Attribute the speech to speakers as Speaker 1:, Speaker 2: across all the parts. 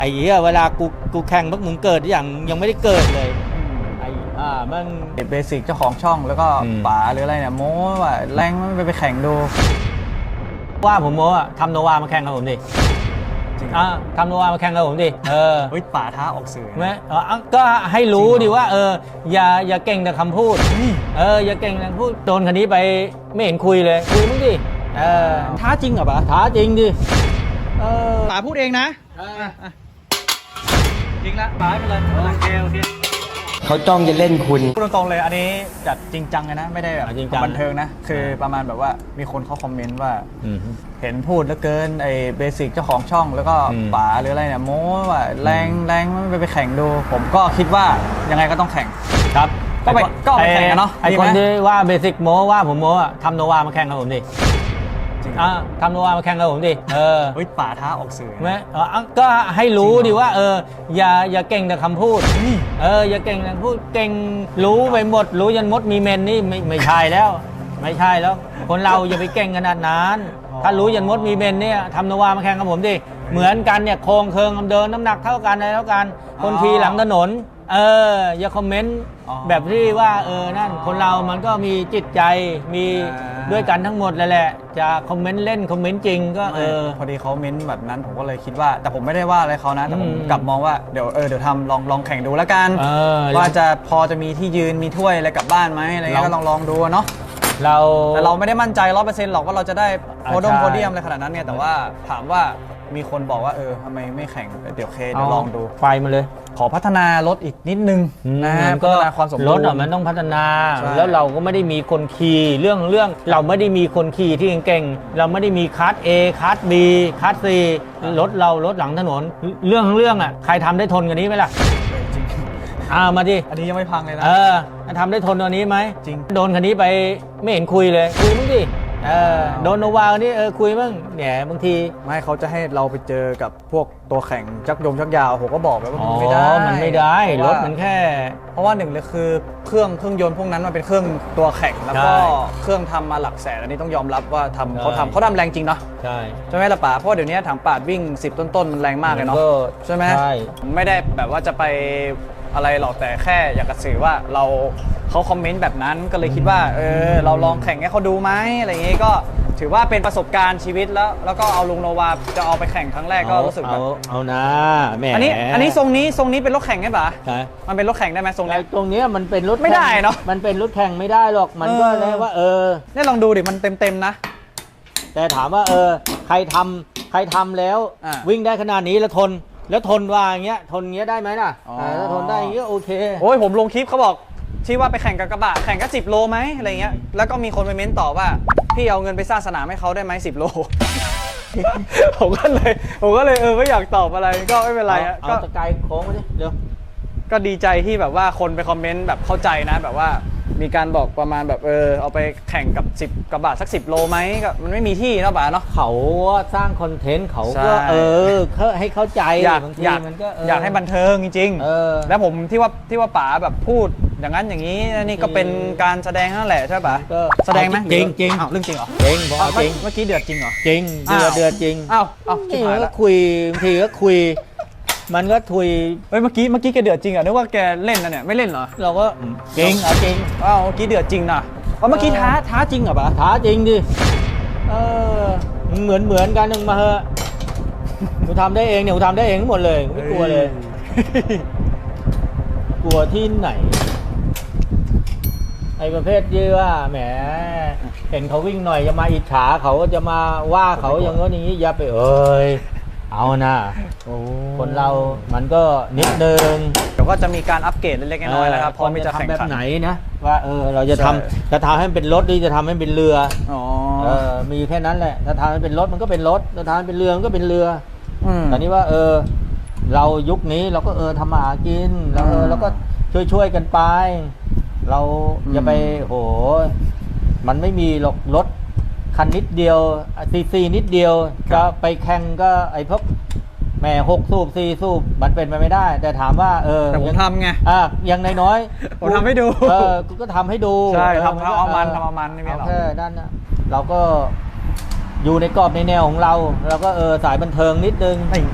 Speaker 1: ไอ้เหี้ยเวลากูแข่งพวกมึงเกิดอย่างยังไม่ได้เกิดเลยไอ้มัน
Speaker 2: เบสิกเจ้าของช่องแล้วก็ป๋าหรืออะไรเนี่ยโม้ว่าแรงไม่ไปแข่งดู
Speaker 1: ว่าผมโม้อะทำโนวามาแข่งกับผมดิทำโนวามาแข่งกับผมดิ
Speaker 2: เฮ้ยป๋าท้าออกสื่อ
Speaker 1: ไหมก็ให้รู้ดิว่าอย่าเก่งแต่คำพูดอย่าเก่งแต่คำพูดโดนคันนี้ไปไม่เห็นคุยเลยคุยมึงดิ
Speaker 2: ท้าจริงเหรอป๋า
Speaker 1: ท้าจริงดิ
Speaker 2: ป๋าพูดเองนะจริงละป๋าไปเลยโอเค
Speaker 3: เขาจ้องจะเล่นคุณ
Speaker 2: พูดตรงๆเลยอันนี้จัดจริงจังเลยนะไม่ได้แบบบันเทิงนะคือประมาณแบบว่ามีคนเขาคอมเมนต์ว่าเห็นพูดแล้วเกินไอ้เบสิกเจ้าของช่องแล้วก็ป๋าหรืออะไรเนี่ยโม้ว่าแรงไม่ไปแข่งดูผมก็คิดว่ายังไงก็ต้องแข่ง
Speaker 1: ครับ
Speaker 2: ก็ไปแข่งกันเนาะ
Speaker 1: ไอคนที่ว่าเบสิกโม้ว่าผมโม้อะทำโนวามาแข่งกับผมดิทำโนวามาแข่งกับผมดิ
Speaker 2: เฮ้ยป๋าท้าออกสื่อ
Speaker 1: ไหมก็ให้รู้ดิว่าอย่าเก่งแต่คำพูดอย่าเก่งแต่คำพูดเก่งรู้ไปหมดรู้ยันมดมีเมนนี่ไม่ใช่แล้วไม่ใช่แล้วคนเราอย่าไปเก่งขนาดนั้นถ้ารู้ยันมดมีเมนเนี่ยทำโนวามาแข่งกับผมดิเหมือนกันเนี่ยโครงเคิงเดินน้ำหนักเท่ากันอะไรเท่ากันคนขี่หลังถนนอย่าคอมเมนต์แบบที่ว่านั่นคนเรามันก็มีจิตใจมีด้วยกันทั้งหมดแหละจะคอมเมนต์เล่นคอมเมนต์จริงก็
Speaker 2: พอดีเขาเม้นต์แบบนั้นผมก็เลยคิดว่าแต่ผมไม่ได้ว่าอะไรเขานะแต่ผมกลับมองว่าเดี๋ยวทำลองแข่งดูแล้วกันว่าจะพอจะมีที่ยืนมีถ้วยอะไรกลับบ้านไหมอะไรเงี้ยก็ลองดูเนาะแต่เราไม่ได้มั่นใจ 100% หรอกว่าเราจะได้โพเดียมอะไรขนาดนั้นเนี่ยแต่ว่าถามว่ามีคนบอกว่าทำไมไม่แข่งเดี๋ยวลองดู
Speaker 1: ไฟมาเลย
Speaker 2: ขอพัฒนารถอีกนิดนึงนะพัฒนาความสมบูรณ์
Speaker 1: รถมันต้องพัฒนาแล้วเราก็ไม่ได้มีคนขี่เรื่องเราไม่ได้มีคนขี่ที่เก่งๆเราไม่ได้มีคัส A คัส B คัส C รถหลังถนนเรื่องอ่ะใครทำได้ทนกว่านี้ไหมล่ะมาดิ
Speaker 2: อันนี้ยังไม่พังเลยนะ
Speaker 1: ทำได้ทนตัวนี้ไหม
Speaker 2: จริง
Speaker 1: โดนคันนี้ไปไม่เห็นคุยเลยคุยมึงดิโดนโนวานี่คุยมึงเนี่ยบางที
Speaker 2: ไม่เขาจะให้เราไปเจอกับพวกตัวแข่งชักยาวผมก็บอกไปว่ามันไม่
Speaker 1: ได้รถมันแค่
Speaker 2: เพราะว่าหนึ่งเลยคือเครื่องยนต์พวกนั้นมันเป็นเครื่องตัวแข่งแล้วก็เครื่องทำมาหลักแสนอันนี้ต้องยอมรับว่าเขาทำแรงจริงเนาะใช่ไหมล่ะป๋าเพราะเดี๋ยวนี้ถังปาดวิ่ง10ต้นมันแรงมากเลยเนาะใช่ไหมไม่ได้แบบว่าจะไปอะไรหรอกแต่แค่อยากจะสื่อว่าเขาคอมเมนต์แบบนั้นก็เลยคิดว่าเราลองแข่งให้เขาดูไหมอะไรอย่างงี้ก็ถือว่าเป็นประสบการณ์ชีวิตแล้วก็เอาลุงโนวาจะเอาไปแข่งครั้งแรกก็รู้สึกแบบ
Speaker 1: เอานะแม่
Speaker 2: อันนี้ทรงนี้เป็นรถแข่งใช่ปะมันเป็นรถแข่งได้ไหมทรงนี้
Speaker 1: ตรงนี้มันเป็นรถ
Speaker 2: ไม่ได้เนาะ
Speaker 1: มันเป็นรถแข่งไม่ได้หรอกมันก็เลยว่า
Speaker 2: นี่ลองดูดิมันเต็มนะ
Speaker 1: แต่ถามว่าใครทำแล้ววิ่งได้ขนาดนี้แล้วทนว่าอย่างเงี้ยทนเงี้ยได้ไหมล่ะถ้าทนได้อย่างเงี้ยโอเค
Speaker 2: โอ้ยผมลงคลิปเขาบอกที่ว่าไปแข่งกับกระบะแข่งก็10 โลไหมอะไรเงี้ยแล้วก็มีคนไปเม้นต่อว่าพี่เอาเงินไปสร้างสนามให้เขาได้ไหม10 โล ผมก็เลยไม่อยากตอบอะไรก็ไม่เป็นไร
Speaker 1: ก็ตะไคร้โค้งมาดิเดี๋ยว
Speaker 2: ก็ดีใจที่แบบว่าคนไปคอมเมนต์แบบเข้าใจนะแบบว่ามีการบอกประมาณแบบเอาไปแข่งกับ10 กระบะสัก10 โลไหมก็มันไม่มีที่นะป๋าเนาะ
Speaker 1: เขาสร้างคอนเทนต์เขาก็ให้เข้าใจบางทีมันก็
Speaker 2: อยากให้บันเทิงจริงๆแล้วผมที่ว่าป๋าแบบพูดอย่างนั้นอย่างนี้นี่ก็เป็นการแสดงนั่นแหละใช่ป่ะแสดงไหม
Speaker 1: จริง
Speaker 2: เรื่องจริงเหรอ
Speaker 1: จริง
Speaker 2: เมื่อกี้เดือดจริงเหรอ
Speaker 1: จริงเดือดจริง
Speaker 2: ที่
Speaker 1: ก็คุยบางทีก็คุยมันก็ทุย
Speaker 2: เมื่อกี้แกเดือดจริงอ่ะนึกว่าแกเล่นนะเนี่ยไม่เล่นเหรอ
Speaker 1: เราก็จริง
Speaker 2: เมื่อกี้เดือดจริงนะเมื่อกี้ท้าจริงเหรอปะ
Speaker 1: ท้าจริงดิเหมือนกันนึงมาเหอะกูทำได้เองเนี่ยกูทำได้เองทั้งหมดเลยไม่กลัวเลยกลัวที่ไหนไอ้ประเภทที่ว่าแหมเห็นเขาวิ่งหน่อยจะมาอิจฉาเขาจะมาว่าเขาอย่างงี้อย่างนี้อย่าไปเอานะคนเรามันก็นิดนึง
Speaker 2: เดี๋ยวก็จะมีการอัปเกรดเล็กๆน้อยๆนะครับพอจะแข่ง
Speaker 1: แบบไหนนะว่าเราจะทำให้เป็นรถหรือจะทำให้เป็นเรือมีแค่นั้นแหละถ้าทำให้เป็นรถมันก็เป็นรถถ้าทำให้เป็นเรือมันก็เป็นเรือแต่นี้ว่าเรายุคนี้เราก็ทำมาหากินแล้วเราก็ช่วยกันไปเราอย่าไปมันไม่มีหรอกรถคันนิดเดียวซีนิดเดียวจะไปแข่งก็ไอ้พวกแม่6 สูบ4 สูบมันเป็นไปไม่ได้แต่ถามว่า
Speaker 2: แต่ผมทำไง
Speaker 1: ยังน้อย
Speaker 2: ผมทำให้ดู
Speaker 1: กูก็ทำให้ดู
Speaker 2: ใช่ทำเอามันไม่มีหรอก
Speaker 1: ด้านเราก็อยู่ในกรอบในแนวของเราก็สายบันเทิงนิดนึง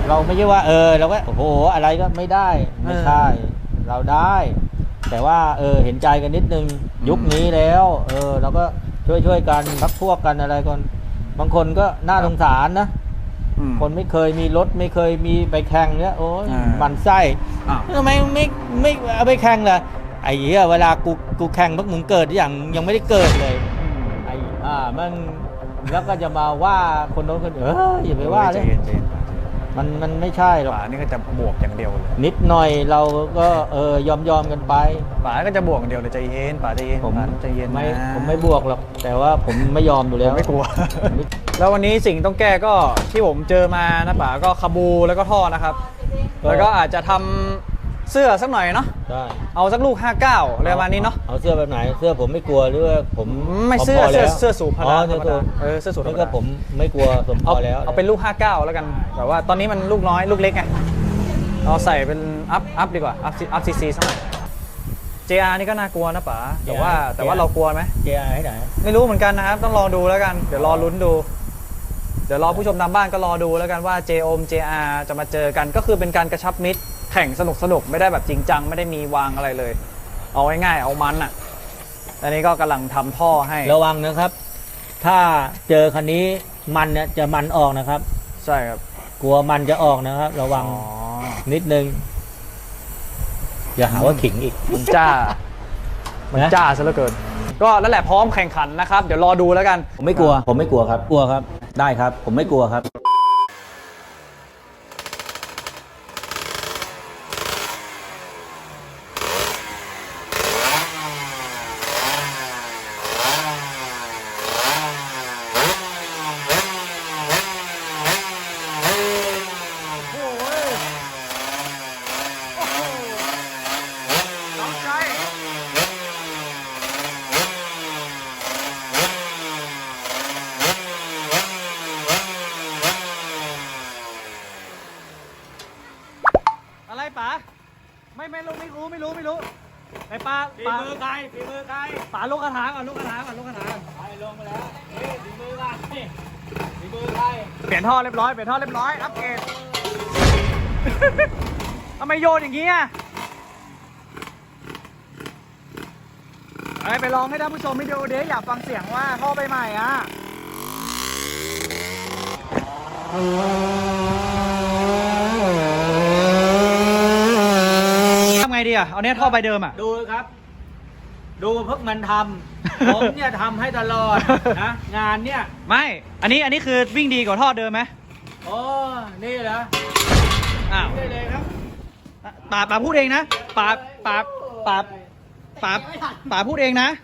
Speaker 1: เราไม่ใช่ว่าเราก็โอ้โหอะไรก็ไม่ได้ไม่ใช่เราได้ แต่ว่าเห็นใจกันนิดนึงยุคนี้แล้วเราก็ช่วยกันพักพวกกันอะไรกันบางคนก็น่าสงสารนะคนไม่เคยมีรถไม่เคยมีไปแข่งเนี่ยโอ้ยมันไส้ทำไมไม่เอาไปแข่งล่ะไอ้เหี้ยเวลากูแข่งพวกมึงเกิดอย่างยังไม่ได้เกิดเลยไอ้มันแล้วก็จะมาว่าคนโน้นคนอย่าไปว่าเลยมันไม่ใช่หรอก
Speaker 2: ป๋านี่ก็จะบวกอย่างเดียวเลย
Speaker 1: นิดหน่อยเราก็ยอมกันไป
Speaker 2: ป๋าก็จะบวกอย่างเดียวเลยใจเย็นป๋าใจเย็นผมใจเย็น
Speaker 1: ผมไม่บวกหรอกแต่ว่าผมไม่ยอมอยู่แล้ว
Speaker 2: ไม่กลัว แล้ววันนี้สิ่งต้องแก้ก็ที่ผมเจอมานะป๋าก็คาบูแล้วก็ท่อนะครับแล้วก็อาจจะทำเสื้อสักหน่อยเนาะเอาสักลูก59อะไรประมาณนี้เนาะ
Speaker 1: เอาเสื้อแบบไหนเสื้อผมไม่กลัวหรือว่าผม
Speaker 2: ไม่เสื้อสูบพละเสื้อสูบ
Speaker 1: แล้วก็ผมไม่กลัวผมพอแล้ว
Speaker 2: เอาเป็นลูก59แล้วกันแต่ว่าตอนนี้มันลูกน้อยลูกเล็กไงเราใส่เป็นอัพดีกว่าอัพซีซีสักหน่อย JR นี่ก็น่ากลัวนะป๋าแต่ว่าเรากลัวไหม
Speaker 1: JR ให้ไหน
Speaker 2: ไม่รู้เหมือนกันนะครับต้องรอดูแล้วกันเดี๋ยวรอลุ้นดูเดี๋ยวรอผู้ชมทางบ้านก็รอดูแล้วกันว่า JR จะมาเจอกันก็คือเป็นการกระชับมิตรแข่งสนุกไม่ได้แบบจริงจังไม่ได้มีวางอะไรเลยเอาง่ายๆเอามันอ่ะอันนี้ก็กำลังทำท่อให้
Speaker 1: ระวังนะครับถ้าเจอคันนี้มันเนี่ยจะมันออกนะครับ
Speaker 2: ใช่ครับ
Speaker 1: กลัวมันจะออกนะครับระวังนิดนึงอย่าหาว่าขิงอีก
Speaker 2: มันจ้าซะเหลือเกินก็นั่นแหละพร้อมแข่งขันนะครับเดี๋ยวรอดูแล้วกัน
Speaker 1: ผมไม่กลัวครับกลัวครับได้ครับผมไม่กลัวครับ
Speaker 2: อะไรป๋าไม่รู้ไอ้ป๋า
Speaker 1: ฝีมือใคร
Speaker 2: ป๋าลูกกระถางก่อนไปลงมาแล้วฝีมือใครเปลี่ยนท่อเรียบร้อยอัปเกรดทำไมโยนอย่างนี้อ่ะไปลองให้ท่านผู้ชมวิดีโอเดี๋ยวอยากฟังเสียงว่าท่อใบใหม่อ่ะทำไงดีอ่ะเอาเนี้ยท่อใบเดิมอ่ะ
Speaker 1: ดูครับดูพวกมันทำผมเนี่ยทำให้ตลอดนะงานเนี่ย
Speaker 2: ไม่อันนี้คือวิ่งดีกว่าท่อเดิมไหม
Speaker 1: โอ้นี่เหรอได้เลยครับ
Speaker 2: ป๋าพูดเองนะป๋าพูดเองนะ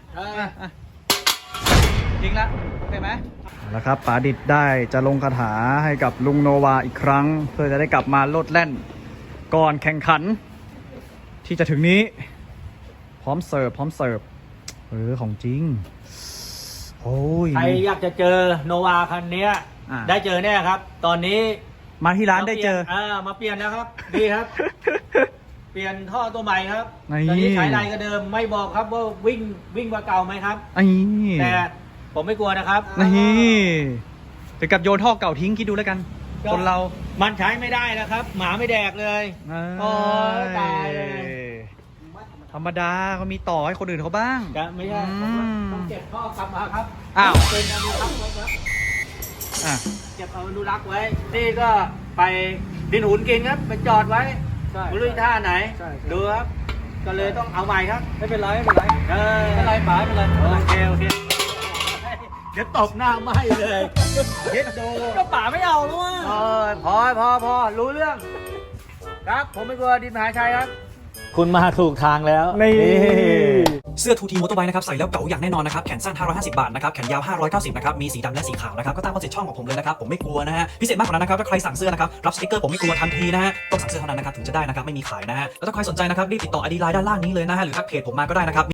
Speaker 2: จริงละเห็นไหมแล้วครับป๋าดิดได้จะลงคาถาให้กับลุงโนวาอีกครั้งเพื่อจะได้กลับมาโลดแล่นก่อนแข่งขันที่จะถึงนี้พร้อมเสิร์ฟของจริงโอ้ย
Speaker 1: ใครอยากจะเจอโนวาคันนี้ได้เจอแน่ครับตอนนี้
Speaker 2: มาที่ร้านได้เจอ
Speaker 1: มาเปลี่ยนนะครับดีครับเปลี่ยนท่อตัวใหม่ครับตอนนี้ใช้ไรก็เดิมไม่บอกครับว่าวิ่งกว่าเก่าไหมครับแต่ผมไม่กลัวนะครับ
Speaker 2: นี่ถึงกับโยนท่อเก่าทิ้งคิดดูแล้วกันคนเรา
Speaker 1: มันใช้ไม่ได้นะครับหมาไม่แดกเลยโอ้ตายเลย
Speaker 2: ธรรมดาเขามีต่อให้คนอื่นเขาบ้าง
Speaker 1: ไม่ใช่ต้องเก็บท่อกลับมาครับเป็นอนุรักษ์ไว้ครับเก็บอนุรักษ์ไว้นี่ก็ไปดินหุนกินครับไปจอดไว้ไม่รู้ท่าไหนดูครับก็เลยต้องเอาใหม่ครับ
Speaker 2: ไม่เป็นไรป๋า
Speaker 1: โอเคเดี๋ยวตบหน้าไหม้เลยเฮ็ดโด
Speaker 2: ก็ป๋าไม่เอาแล้วว่ะ
Speaker 1: พอรู้เรื่องครับผมไม่กลัวดินมหาชัยครับคุณมาถูกทางแล้ว
Speaker 2: นี่
Speaker 4: เสื้อทูทีมอเตอร์ไบค์นะครับใส่แล้วเก๋าอย่างแน่นอนนะครับแขนสั้น550 บาทนะครับแขนยาว590นะครับมีสีดำและสีขาวนะครับก็ตามคอนเซ็ปต์ช่องของผมเลยนะครับผมไม่กลัวนะฮะพิเศษมากกว่านั้นนะครับถ้าใครสั่งเสื้อนะครับรับสติ๊กเกอร์ผมไม่กลัวทันทีนะฮะต้องสั่งเสื้อเท่านั้นนะครับถึงจะได้นะครับไม่มีขายนะฮะแล้วถ้าใครสนใจนะครับรีบติดต่อ ID ไลน์ด้านล่างนี้เลยนะฮะหรือทักเพจผมมาก็ได้นะครับ